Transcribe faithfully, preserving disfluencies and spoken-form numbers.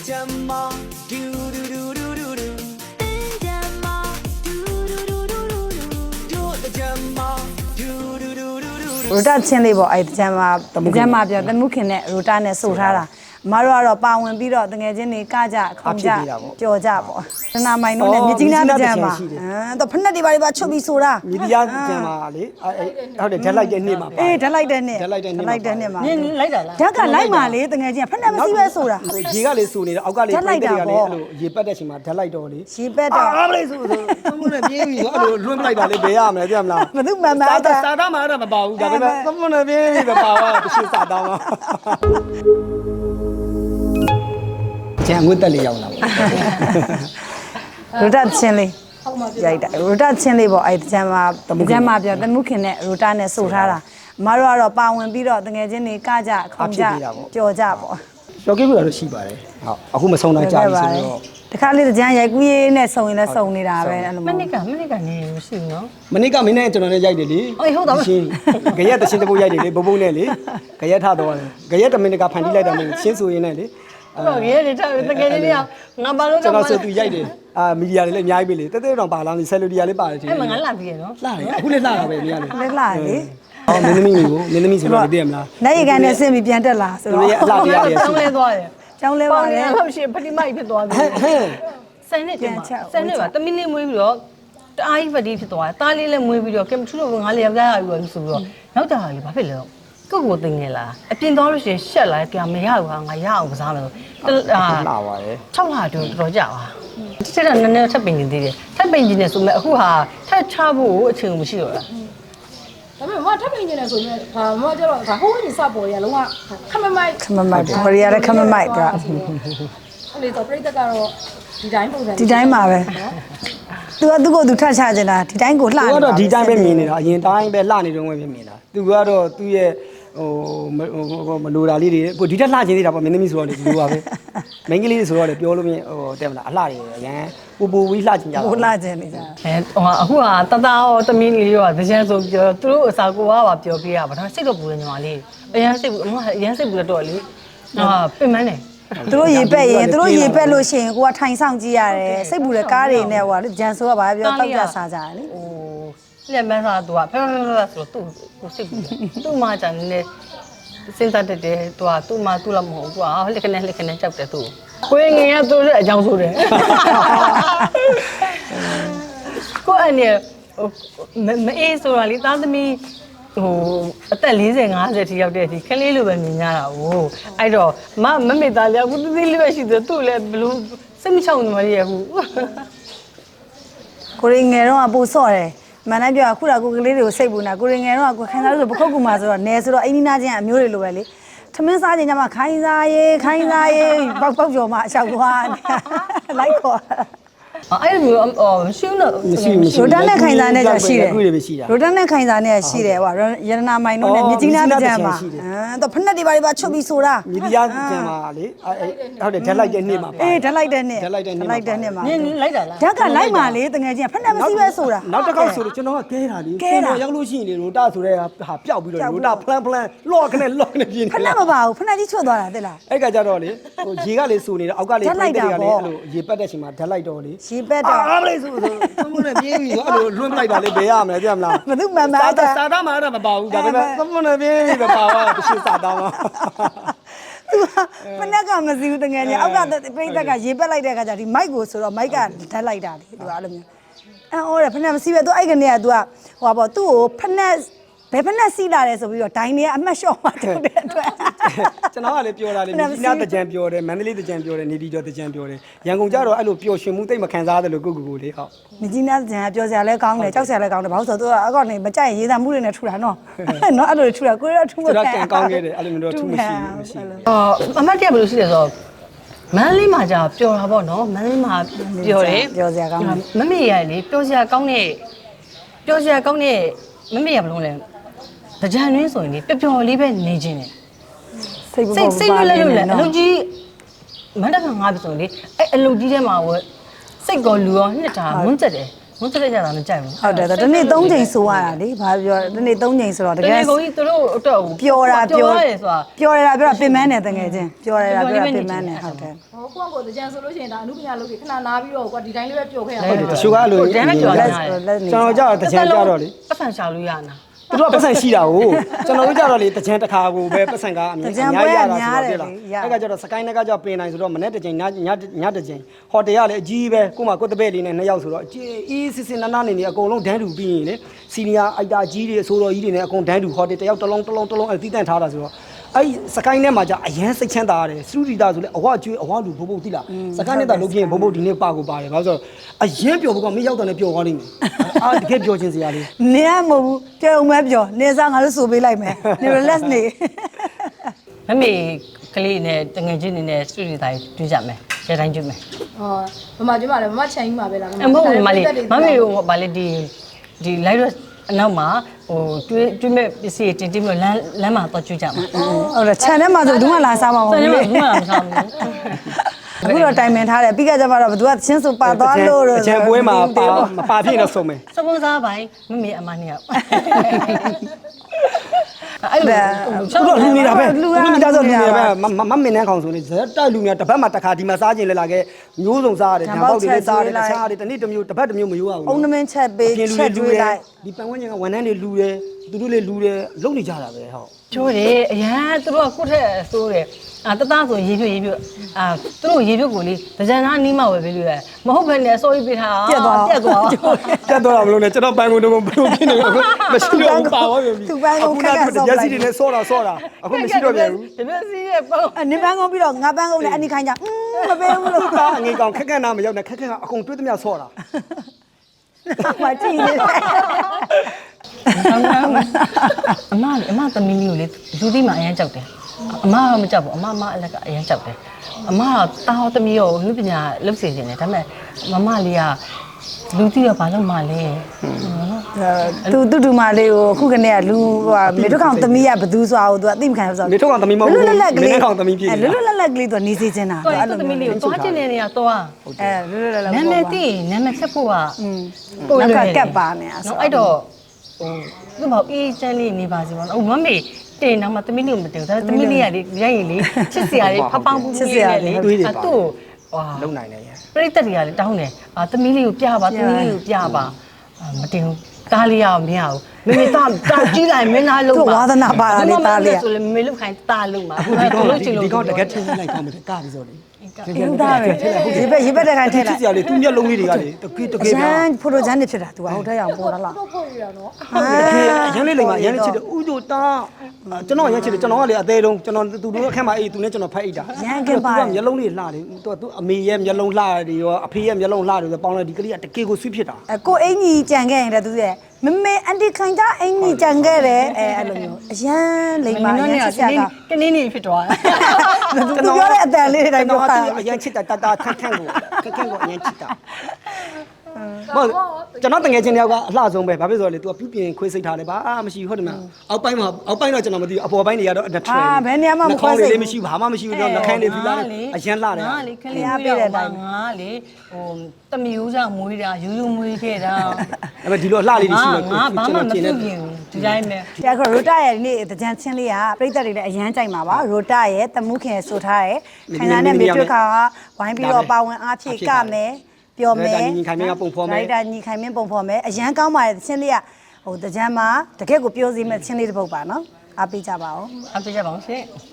ရိုတာချင်းလေးပေါ့အဲ့တကြမ်းမှာတကြမ်းမှာပြောတမှုခင်နဲ့ရိုတာနဲ့ဆိုထားတာမတို့ကတော့ပါဝင်ပြီးတော့တငယ်ချင်းတွေကကြခုံကြကြော်ကြပေါ့တနာမိုင်တို့နဲ့မြကြီးနားတကြမ်းမှာအဲတော့ဖက်နဲ့တွေပါပါချုပ်ပြီးဆိုတာမြဒီယာကျန်ပါလေဟုတ်တယ်ဓာတ်လိုက်တဲ့နေ့မှာပါအေးဓာတ်လိုက်တဲ့နေ့ဓာတ်လိုက်တဲ့နေ့လိုက်တဲ့နေ့မှာနင်းလိုက်တာလားဓာတ်ကလိုက်မှာလေတငယ်ချင်းဖက်နဲ့မစီးပဲဆိုတာရေကလေးစူနေတော့အောက်ကလေးပြိတ္တတွေကလည်းအဲ့လိုရေပတ်တဲ့ချိန်မှာဓာတ်လိုက်တော့လေရေပက်တော့အားမလေးစူဆိုသမုန်းနဲ့ပြေးပြီးတော့အဲ့လိုလွှင့်ပလိုက်တာလေဘယ်ရမလဲသိမလားဘသူမှန်မှန်စာအဲ့ဒါစာသားမှာတော့မပါဘူးဒါပေမဲ့သမုန်းနဲ့ပြေးပြီးတော့ပါသွားတရှိစာသားမှာကျန်ငွေတက်လေးရောက်လာပါရိုတာချင်းလေးရိုက်တာရိုတာချင်းလေးပေါ့အဲ့တကြမ်းမှာတကြမ်းမှာပြောတမှုခင်နဲ့ရိုတာနဲ့ဆိုထားတာမတို့ကတော့ပါဝင်ပြီးတော့တငယ်ချင်းတွေကကြခုံကြကြော်ကြပေါ့ကျော်ကိဘူးတော့ရှိပါတယ်ဟုတ်အခုမဆုံးတော့ကြာပြီဆိုတော့တခါလေးတကြမ်းရိုက်ကူးရေးနဲ့စုံရင်လည်းစုံနေတာပဲအဲ့လိုမနစ်ကမနစ်ကနေမရှိဘူးနော်မနေ့ကမင်းနဲ့ကျွန်တော်နဲ့ရိုက်တယ်လေအေးဟုတ်တာပဲရှင်းကြရက်တရှင်းတပုတ်ရိုက်တယ်လေဘုံဘုံနဲ့လေကြရက်ထတော့တယ်ကြရက်တမင်းကဖန်တီးလိုက်တာမျိုးရှင်းဆိုရင်းနဲ့လေအဲ့တော့ရဲတွေတကယ်လေးတွေကငါဘာလို့ကျွန်တော်ဆိုသူရိုက်တယ်အာမီဒီယာတွေလည်းအများကြီးပဲလေတဲတဲတောင်ပါလာနေဆယ်လူဒီယာလေးပါတယ်ထင်အဲ့မှာငါလာပြီးရနော်လှတယ်အခုလည်းလှတာပဲအများလေလက်လာလေအော်မင်းသမီးမျိုးကိုမင်းသမီးဆိုတော့သိရမလားနိုင်ရကန်နဲ့ဆင်းပြီးပြန်တက်လာဆိုသူတော့ရဲ့အလှတရားတွေတောရှိင်းလဲသွားတယ်ကျောင်းလဲပါပေါင်လေနေလို့ရှိရင်ဖတိမိုက်ဖြစ်သွားပြီဟဲ့ဟဲ့ဆယ်နှစ်တည်းမှာဆယ်နှစ်ပါတမီးလေးမွေးပြီးတော့တအားကြီးဖတိဖြစ်သွားတယ်တားလေးလည်းမွေးပြီးတော့ကင်မထူးလို့ငါလေးယောက်ျားရပြီးတော့ဆိုပြီးတော့နောက်ကြတာလေဘာဖြစ်လဲကိုကိုတင်နေလားအပြင်သွားလို့ရှိရင်ရှက်လာကြမရဘူးဟာငါရအောင်ကစားမယ်ဆိုအာလှပါတယ်၆လတော့တော်ကြပါတစ်ချက်တော့နည်းနည်းထပ်ပင်နေသေးတယ်ထပ်ပင်ကြီးနေဆိုမဲ့အခုဟာထပ်ချဖို့အချိန်မရှိတော့လားဒါပေမဲ့မထပ်ပင်နေတယ်ဆိုရင်ဒါမကျတော့ဒါဟိုးရင်စပေါ်ရလုံးဝခမမိုက်ခမမိုက်ဘော်ရီရလည်းခမမိုက်ပြအဲ့လေတော့ပြိတ္တကတော့ဒီတိုင်းပုံစံဒီတိုင်းမှာပဲသူကသူ့ကိုသူထတ်ချခြင်းတာဒီတိုင်းကိုလှသူကတော့ဒီတိုင်းပဲမြင်နေတာအရင်တိုင်းပဲလှနေတော့ပဲမြင်နေတာသူကတော့သူ့ရဲ့ဟိုမလိုတာလေးတွေကိုဒီတက်လှခြင်းသေးတာပေါ့မင်းသမီးဆိုတော့လေဒီလိုပါပဲမိန်းကလေးတွေဆိုတော့လေပြောလို့မရဟိုတဲ့မလားအလှတွေအရန်ပူပူဝီးလှခြင်းကြပါဟိုလှခြင်းနေကြအဲဟိုအခုဟာတသားရောတမီးလေးရောတကြံဆိုပြောသူတို့အစာကိုကပါပြောပြရပါဒါစိတ်တော့ပူတယ်ညီမလေးအရန်စိတ်ဘူးအမအရန်စိတ်ဘူးတော့လေဟာပင်မနေသူတို့ရေပက်ရင်သူတို့ရေပက်လို့ရှိရင်ကိုကထိုင်ဆောင်ကြည့်ရတယ်စိတ်ပူတဲ့ကားတွေနဲ့ဟိုကဂျန်ဆိုကဘာပြောတောက်ကြစားကြတယ်လေဟိုလက်မန်းစားသူကဖဲဖဲဖဲဆိုတော့သူ့ကိုစိတ်ဘူးသူ့မှာကြတယ်လေစဉ်းစားတတ်တယ်သူကသူ့မှာသူ့လည်းမဟုတ်ဘူးသူကလက်ခနဲ့လက်ခနဲ့ကြောက်တယ်သူကိုငယ်ရသူ့အကြောင်းဆိုတယ်ကိုအနေဟိုမအေးဆိုတာလေသားသမီးဟိုအသက်၄၀ ၅၀ထိရောက်တဲ့အထိခလေးလိုပဲမြင်ကြတာဟိုအဲ့တော့မမမေသားလေးအခုသေးသေးလေးပဲရှိတယ်သူ့လည်းဘလို့စိတ်မချောင်နေမရဘူးကိုရငယ်တော့ပူဆော့တယ်မန်တိုင်းပြောအခုတော့ကိုကလေးတွေကိုစိတ်ပူနေတာကိုရငယ်တော့ကိုခိုင်းစားလို့ဆိုပခုတ်ကူမှာဆိုတော့နယ်ဆိုတော့အိမ်နီးနားချင်းအမျိုးတွေလိုပဲလေထမင်းစားခြင်းညမှာခိုင်းစားရေးခိုင်းစားရေးပေါက်ပေါက်ကျော်မှာအလျှောက်သွားလိုက်ခေါ်အဲ့လိုမျိုးအော်မရှိဘူးနော်မရှိမရှိရိုတန်နဲ့ခိုင်စာနဲ့ကြရှိတယ်အခုတွေပဲရှိတာရိုတန်နဲ့ခိုင်စာနဲ့ရှိတယ်ဟိုရတနာမိုင်တို့နဲ့မြကြီးနားတကြမ်းမှာအဲတော့ဖက်နဲ့တွေပါပါချုပ်ပြီးဆိုတာမြဒီယာကျန်ပါလေဟုတ်တယ်ဓာတ်လိုက်တဲ့နေ့မှာပါအေးဓာတ်လိုက်တဲ့နေ့ဓာတ်လိုက်တဲ့နေ့လိုက်တဲ့နေ့မှာနင်းလိုက်တာလားဓာတ်ကလိုက်မှာလေတကယ်ချင်းဖက်နဲ့မစီးပဲဆိုတာနောက်တစ်ခေါက်ဆိုတော့ကျွန်တော်ကကဲတာလေရောက်လို့ရှိရင်လေရိုတာဆိုတဲ့ဟာပျောက်ပြီးတော့ရိုတာဖလန်ဖလန်လော့ခနဲ့လော့ခနဲ့ပြင်းဖက်နဲ့မပါဘူးဖက်နဲ့ကြီးချွတ်သွားတာသိလားအဲ့ကကြတော့လေဟိုရေကလေးစူနေတော့အောက်ကလေးပြိတ္တတွေကလည်းအဲ့လိုရေပတ်တဲ့ချိန်မှာဓာတ်လိုက်တော့လေရေပက်တော့အားမလေးဆိုဆိုသမုန်းနဲ့ပြေးပြီးတော့အဲ့လိုလွှင့်ပလိုက်တာလေဘယ်ရမလဲသိရမလားဘသူမှန်မှန်စာအဲ့ဒါစာသားမှာတော့မပါဘူးဒါပေမဲ့သမုန်းနဲ့ပြေးပြီးတော့ပါသွားတရှိစာသားမှာသူကဖက်နဲ့ကမစီဘူးတကယ်ချင်းအောက်ကပြိတ္တကရေပက်လိုက်တဲ့အခါကျဒီမိုက်ကိုဆိုတော့မိုက်ကဓာတ်လိုက်တာလေသူကအဲ့လိုမျိုးအော်တယ်ဖက်နဲ့မစီပဲသူအဲ့ကနေကသူကဟိုပါပေါ့သူ့ကိုဖက်နဲ့ဘယ်ဖက်နဲ့စီးလာတယ်ဆိုပြီးတော့ဒိုင်းနေကအမှတ်လျှော့မှထုတ်တဲ့အတွက်ကျွန်တော်ကလည်းပြောတာလေမြကြီးနားတကြံပြောတယ်မန္တလေးတကြံပြောတယ်နေပြည်တော်တကြံပြောတယ်ရန်ကုန်ကျတော့အဲ့လိုပျော်ရွှင်မှုတိတ်မခံစားရတယ်လို့ကိုကိုကိုလေးဟုတ်မြကြီးနားကျန်ပြောစရာလဲကောင်းတယ်ကြောက်စရာလဲကောင်းတယ်ဘာလို့ဆိုတော့သူကအကောက်နေမကြိုက်ရေးသားမှုတွေနဲ့ထူတာနော်နော်အဲ့လိုထူတာကိုရထူမကျွန်တော်ကန်ကောင်းခဲ့တယ်အဲ့လိုမျိုးတော့ထူးမရှိဘူးမရှိဘူးအော်အမတ်တရဘယ်လိုရှိလဲဆိုတော့မန်းလေးမှာじゃပျော်တာပေါ့နော်မန်းလေးမှာပျော်တယ်ပြောစရာကောင်းတယ်မမေရလေပျော်စရာကောင်းတဲ့ပျော်စရာကောင်းတဲ့မမေရဘယ်လိုလဲကြံရင်းဆိုရင်လေပျော်ပျော်လေးပဲနေခြင်းတယ်စိတ်စိတ်စိတ်လွတ်လွတ်လဲအလုပ်ကြီးမန္တကငါးပြီဆိုရင်လေအဲ့အလုပ်ကြီးထဲမှာဝစိတ်ကောလူရောနှစ်တာမွန်းကျက်တယ်မတက်ကြတာမကြိုက်ဘူးဟုတ်တယ်တနေ့သုံးချိန်ဆိုရတာလေဘာပြောတနေ့သုံးချိန်ဆိုတော့တတကကယ်ယ်ကိုကြီးသူတို့အတွက်ပျော်တာပျော်ရတယ်ဆိုတာပျော်ရတာပြောတာပင်မနဲ့တကယ်ချင်းပျော်ရတာပြောတာပင်မနဲ့ဟုတ်တယ်ဟောကိုကကိုတကြံဆိုလို့ရှိရင်ဒါအမှုပညာလုပ်ပြီးခဏနားပြီးတော့ကွာဒီတိုင်းလေးပဲပျော်ခဲ့ရဟုတ်တယ်တချို့ကအဲ့လိုတန်းနဲ့ကြော်လာတယ်ကျွန်တော်ကြောက်တကြံကြတော့လေပတ်စံရှာလို့ရနာသူတို့ကပတ်စံရှိတာကိုကျွန်တော်တို့ကြတော့လေတကြံတစ်ခါကိုပဲပတ်စံကအမြင်အများကြီးရတာဆိုတော့ပြလားအဲ့ကကြတော့စကိုင်းနဲ့ကကြောပင်နိုင်ဆိုတော့မနေ့တစ်ချိန်ညညညတစ်ချိန်ဟိုတယ်ကလည်းအကြီးပဲကိုမှကိုတပည့်လေးနဲ့နှစ်ယောက်ဆိုတော့အေးစစ်စစ်နားနားနေနေအကုန်လုံးဒန်းတူပြီးရင်လေစီနီယာအိုက်တာကြီးတွေအဆိုတော်ကြီးတွေနဲ့အကုန်ဒန်းတူဟိုတယ်တယောက်တစ်လုံးတစ်လုံးတစ်လုံးအဲ့တီးတန့်ထားတာဆိုတော့အဲ့စကိုင်းထဲမှာじゃအရန်စိတ်ချမ်းသာရတယ်စတူဒီတာဆိုလေအဝကျွေးအဝလူဘုံဘုံတိလားစကိုင်းနဲ့တာလုပ်ပြရင်ဘုံဘုံဒီနေ့ပါကိုပါတယ်ဘာလို့ဆိုတော့အရန်ပျော်ဖို့ကမင်းရောက်တယ်နဲ့ပျော်သွားလိမ့်မယ်အာတကယ်ပျော်ခြင်းစရာလေးနင်ကမဟုတ်ဘူးပြောုံမဲပြောနေစားငါတို့ဆိုပေးလိုက်မယ်နေ relax နေမမေကလေးနဲ့တငယ်ချင်းနေနဲ့စတူဒီတိုင်းတွေ့ကြမယ်ရှယ်တိုင်းတွေ့မယ်ဟောမမကျမလည်းမမချန်ကြီးမှာပဲလားအမဟုတ်ဘူးမလေးမမေတို့ဗာလေဒီဒီ live အနောက်မှာဟိုတွေးတွေးမဲ့ပစ္စည်းတင်တင်ပြီးလမ်းလမ်းမှာတော့ကျွေးကြမှာဟုတ်တယ်ခြံထဲမှာဆိုဘူးမှလာစားမှာမဟုတ်ဆယ်ဘူးနေလေမှာဘူးမှာမဆောင်ဘူးအခုတော့တိုင်ပင်ထားတယ်ပြီးကြကြမှာတော့ဘသူကချင်းဆိုပါသွားလို့တော့အချံပွဲမှာပါမပါဖြစ်နေဆုံးမယ်စပွန်ဆာပိုင်းမမေအမနှစ်ယောက်အဲ့လိုသူတို့လူနေတာပဲလူနေတာဆိုလူနေတာပဲမမမင်းနဲ့ခေါင်းဆိုနေဇက်တိုက်လူနေတာတစ်ပတ်မှာတစ်ခါဒီမှာစားခြင်းလဲလာခဲ့မျိုးစုံစားရတယ်ဓာတ်ပေါက်တွေလည်းစားတယ်တခြားတွေတနေ့တစ်မျိုးတစ်ပတ်တစ်မျိုးမရိုးရဘူးအုံနမင်းချက်ပေးချက်ကျွေးလိုက်ဒီပန်ဝန်းကျင်ကဝန်ထမ်းတွေလူတယ်သူတို့လည်းလူတယ်လုံနေကြတာပဲဟုတ်ကျိုးတယ်အရန်သူတို့ကကိုယ့်ထက်ဆိုးတယ်အာတသားဆိုရေပြွတ်ရေပြွတ်အာသူတို့ရေပြွတ်ကိုလေဒကြံသားနီးမှဝယ်ပေးလို့ရမဟုတ်ဘဲနဲ့အစိုးရပေးထားပြက်သွားပြတ်တော့မလို့နဲ့ကျွန်တော်ပန်ကုန်တော့ဘယ်လိုဖြစ်နေလဲမရှိတော့ဘူးပါသွားပြီရက်စီတွေနဲ့ဆော့တာဆော့တာအခုမရှိတော့ပြန်ဘူးဒီမျက်စိရဲ့ပုံနေပန်းကုန်းပြီးတော့ငါပန်းကုန်းနဲ့အနိခိုင်းကြမပေးဘူးလို့ကားငေးကောင်ခက်ခက်နာမရောက်နဲ့ခက်ခက်ကအကုန်တွေးသမျှဆော့တာမကြည့်နေအမလေအမသမီးလေးကိုလေလူသိမှအရန်ကြောက်တယ်အမကမကြောက်ဘူးအမမအလက်ကအရန်ကြောက်တယ်အမကတာဟောသမီးရောလူပညာလုပ်စီနေတယ်ဒါပေမဲ့မမလေးကလူသိရောဘာလို့မလဲသူတူတူမလေးကိုအခုကနေကလူဟိုမေတို့ကောင်သမီးကဘသူဆိုတာကိုသူကသိမခံဘူးဆိုနေထုတ်ကောင်သမီးမဟုတ်ဘူးမင်းကောင်သမီးဖြစ်အဲလွတ်လွတ်လပ်လပ်ကလေးသူနေစေချင်တာတော့အဲ့သမီးလေးကိုသွားချင်တဲ့နေရာသွားအဲလွတ်လွတ်လပ်လပ်နာမည်သိနာမည်ချက်ဖို့ကပို့လို့ကတ်ပါနေအဲ့နော်အဲ့တော့ဟိုသူ့ဘောအေးချမ်းလေးနေပါစေပေါ့နော်ဟိုမမေတင်တော့မှသမီးလေးကိုမတင်ဘူးဒါပေမဲ့သမီးလေးကလေရိုက်ရင်လေချစ်စရာလေးဖပောင်းပူးပူးလေးနဲ့လေအတူဟာလုံနိုင်တယ်ရပြိတ္တတွေကလည်းတောင်းတယ်အာသမီးလေးကိုပြပါသမီးလေးကိုပြပါမတင်ဘူးတားလေးရအောင်မရဘူးမမေတာတာကြီးလိုက်မင်းသားလုံးပါဆိုလေမမေလုတ်ခိုင်းတာလုံးပါဒီကောင်ဒီကောင်တကယ်ထင်းလိုက်ကောင်းတယ်ကားပြီးဆိုလေအေးသားပဲရေပက်ရေပက်တဲ့ခိုင်းထည့်လိုက်ချစ်စရာလေးသူမျက်လုံးလေးတွေကလေတကယ်တကယ်ရန်ဖိုတိုဂျန်နေဖြစ်တာ तू ဟုတ်တဲ့အောင်ပေါ်လာလားတော့ဖို့ရတော့ရန်လေးလိမ္မာရန်လေးချစ်တယ်ဥဒိုတာကျွန်တော်ရန်ချစ်တယ်ကျွန်တော်ကလေအသေးတုံးကျွန်တော်သူတို့အခက်မှာအေးသူနဲ့ကျွန်တော်ဖက်အိတ်တာမျက်လုံးလေးလှတယ်သူသူအမေရဲ့မျက်လုံးလှတယ်ရောအဖေရဲ့မျက်လုံးလှတယ်ဆိုပေါင်းလိုက်ဒီကလေးကတကယ်ကိုဆွေးဖြစ်တာအဲကိုအင်ကြီးကြံခဲ့ရင်လည်းသူရဲ့မမေအန်တီခိုင်ကြအင်ကြီးကြံခဲ့တယ်အဲအဲ့လိုမျိုးအရန်လိမ္မာရန်ချစ်စရာကကနင်းနေဖြစ်သွားတယ်သူပြောတဲ့အတန်လေးတွေတိုင်းပြောတာအရန်ချစ်တာတာတာခန့်ခန့်ကိုခန့်ခန့်ကိုအရန်ချစ်တာဟုတ်ကျွန်တော်တငယ်ချင်းတယောက်ကအလှဆုံးပဲဘာဖြစ်ဆိုလဲ तू ကပြုပြင်ခွေးစိတ်ထားတယ်ဘာမရှိဟုတ်တယ်မအောက်ပိုင်းမှာအောက်ပိုင်းတော့ကျွန်တော်မသိဘူးအပေါ်ပိုင်းတွေကတော့အနှစ်ထွေးလေးမရှိဘာမှမရှိဘူးတော့လက်ခန်းတွေပြီးလာအရန်လှတယ်ငါလေခလေးပေးတဲ့အတိုင်းငါလေဟိုတမျိုးကြောင့်မွေးတာယူယူမွေးခဲ့တာအဲ့မဲ့ဒီလိုအလှလေးတွေရှိလို့ငါဘာမှမပြုတ်ပြင်ဘူးဒီတိုင်းပဲဒီအခုရိုတာရဲ့ဒီနေ့တကြံချင်းလေးကပြိသက်တွေလည်းအရန်ကြိုက်မှာပါရိုတာရဲ့တမှုခင်ဆိုထားရဲ့ခိုင်နာနဲ့မေတွက်ခါကဝိုင်းပြီးတော့ပါဝင်အားဖြည့်ကမယ်ပြောမယ်ဒါညီခိုင်မင်းပုံဖော်မယ်အရန်ကောင်းပါတယ်ချင်းလေးကဟိုတကြံမှာတကယ့်ကိုပြောစီမဲ့ချင်းလေးတစ်ပုတ်ပါနော်အားပေးကြပါဦးအားပေးကြပါဦးရှင်